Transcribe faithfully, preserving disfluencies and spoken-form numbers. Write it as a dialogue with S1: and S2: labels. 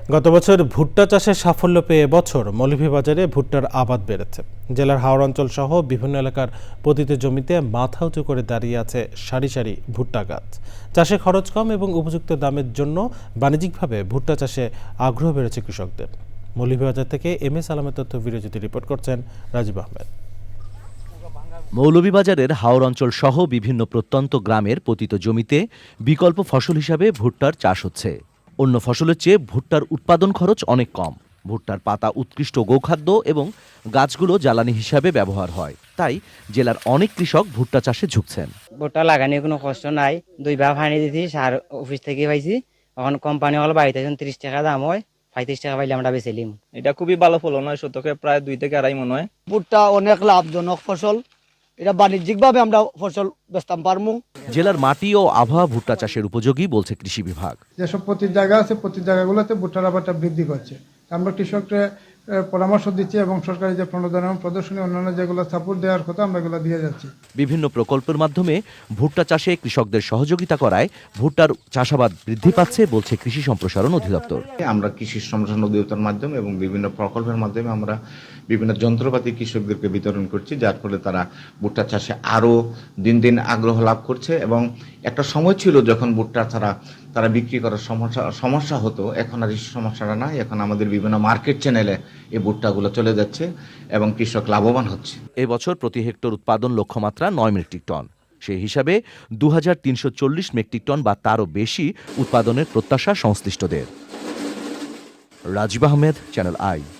S1: গত বছর ভুট্টা চাষে সাফল্য পেয়ে এবছর মৌলভীবাজারে ভুট্টার আবাদ বেড়েছে। জেলার হাওড় অঞ্চল সহ বিভিন্ন এলাকার পতিত জমিতে মাথা উঁচু করে দাঁড়িয়ে আছে সারি সারি ভুট্টা গাছ। চাষে খরচ কম এবং উপযুক্ত দামের জন্য বাণিজ্যিকভাবে ভুট্টা চাষে আগ্রহ বেড়েছে কৃষকদের। মৌলভীবাজার থেকে এম এস আলমের তথ্য ভিডিওচিত্রে রিপোর্ট করছেন রাজীব আহমেদ।
S2: মৌলভীবাজারের হাওর অঞ্চল সহ বিভিন্ন প্রত্যন্ত গ্রামের পতিত জমিতে বিকল্প ফসল হিসাবে ভুট্টার চাষ হচ্ছে। অন্য ফসলের চেয়ে ভুট্টার উৎপাদন খরচ অনেক কম। ভুট্টার পাতা উৎকৃষ্ট গোখাদ্য এবং গাছগুলো জ্বালানি হিসাবে ব্যবহার হয়, তাই জেলার অনেক কৃষক ভুট্টা চাষে ঝুঁকছেন।
S3: ভুট্টা লাগানোর কোনো কষ্ট নাই, দুই ভাগ পানি দিছি, সার অফিস থেকে পাইছি। এখন কোম্পানি হল বাড়িতে ত্রিশ টাকা দাম হয়, পঁয়ত্রিশ টাকা পাইলে আমরা বেচেলিম।
S4: এটা খুবই ভালো ফলন হয়, শতকে প্রায় দুই থেকে আড়াই মন হয়।
S5: ভুট্টা অনেক লাভজনক ফসল, এটা বাণিজ্যিকভাবে আমরা ফসল বেচতাম পারমু।
S2: জেলার মাটি ও আবহাওয়া ভুট্টা চাষের উপযোগী বলছে কৃষি বিভাগ।
S6: যেসব প্রতি জায়গা আছে প্রতি জায়গাগুলোতে ভুট্টার আবাদটা বৃদ্ধি করছে। আমরা কৃষককে পরামর্শ দিচ্ছি এবং সরকারি যে প্রণোদনা এবং প্রদর্শনী অন্যান্য যেগুলো সাপোর্ট দেওয়ার কথা আমরা এগুলো দিয়ে যাচ্ছি।
S2: বিভিন্ন প্রকল্পের মাধ্যমে ভুট্টা চাষে কৃষকদের সহযোগিতা করায় ভুট্টার চাষাবাদ বৃদ্ধি পাচ্ছে বলছে কৃষি সম্প্রসারণ অধিদপ্তর।
S7: আমরা কৃষি সম্প্রসারণ অধিদপ্তরের মাধ্যমে এবং বিভিন্ন প্রকল্পের মাধ্যমে আমরা বিভিন্ন যন্ত্রপাতি কৃষকদেরকে বিতরণ করছি, যার ফলে তারা ভুট্টা চাষে আরও দিন দিন আগ্রহ লাভ করছে। এবং একটা সময় ছিল যখন ভুট্টা ছাড়া তারা বিক্রি করার সমস্যা সমস্যা হতো, এখন আর এই সমস্যাটা নাই। এখন আমাদের বিভিন্ন মার্কেট চ্যানেলে এই ভুট্টাগুলো চলে যাচ্ছে এবং কৃষক লাভবান হচ্ছে।
S2: এবছর প্রতি হেক্টর উৎপাদন লক্ষ্যমাত্রা নয় মেট্রিক টন। সেই হিসাবে দু হাজার তিনশো চল্লিশ মেট্রিক টন বা তারও বেশি উৎপাদনের প্রত্যাশা সংশ্লিষ্টদের। Rajib Ahmed, channel I.